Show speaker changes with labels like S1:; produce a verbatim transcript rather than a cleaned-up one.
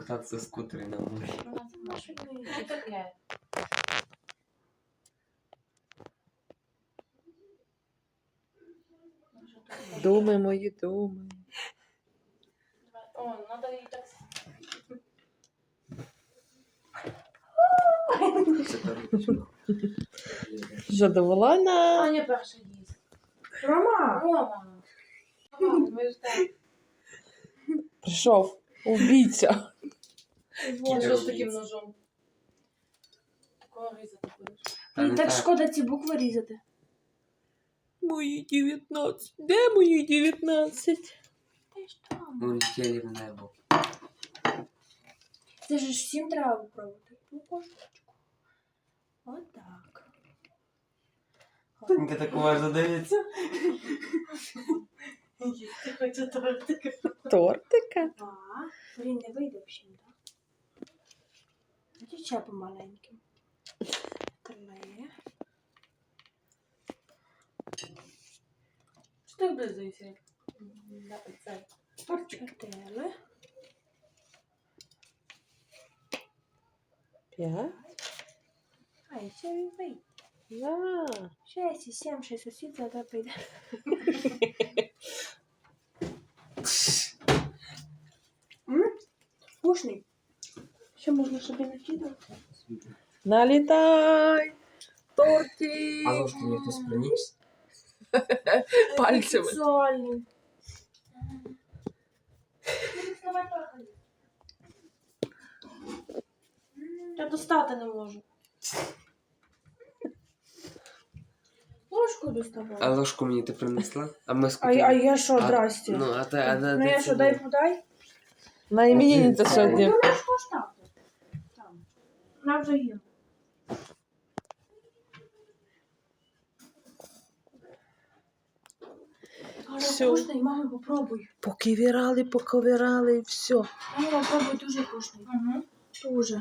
S1: покататься в скутере на море.
S2: Що таке?
S3: Думи мої, думи.
S2: О, надо їй так...
S1: Це точно.
S3: Задоволена.
S2: Аня перша їсть.
S4: Рома!
S2: Рома. Ага, ми ж так.
S3: Прийшов убійця.
S2: Вон, що з таким ножом? Такого різати будеш.
S1: Та не
S4: І так
S1: так.
S4: шкода ці букви різати.
S3: Мої дев'ятнадцять. Де мої дев'ятнадцять?
S4: Ти ж там.
S1: Улетіли в небо.
S4: Це ж всім треба випробувати. Ну, кошечку. Отак.
S1: Тонька так уважно дивиться.
S2: Ти хоче тортика.
S3: Тортика?
S4: Два. Блін, не вийде взагалі, так? Тоді ще помаленьким. Три.
S2: Що ти облизуєшся? Це.
S4: Чотири.
S3: П'ять.
S4: А, і ще він вийде.
S3: Да.
S4: Шесть і сім, шесть осіб, завтра прийде. М? Вкусний. Ще можна собі накидати.
S3: Налітай. Торти.
S1: А ложку мені хтось приніс?
S3: Пальцями.
S4: Сексуальний.
S2: Я достати не можу.
S4: Ложку доставай.
S1: А ложку мені ти принесла? А ми
S4: А,
S1: скільки?
S4: а я що,
S1: А,
S4: здрасте?
S1: Ну, а ти, а де,
S4: Ну
S1: де
S4: я
S1: це
S4: що,
S1: було?
S4: дай подай?
S3: На іменинниця сьогодні.
S4: Ну, ложку оставте. Там. На взаєм.
S3: Всё.
S4: Вкусний, мама, попробуй.
S3: Покивірали, поковирали і все.
S4: Мама, попробуй, дуже вкусний.
S2: Угу.
S4: Дуже.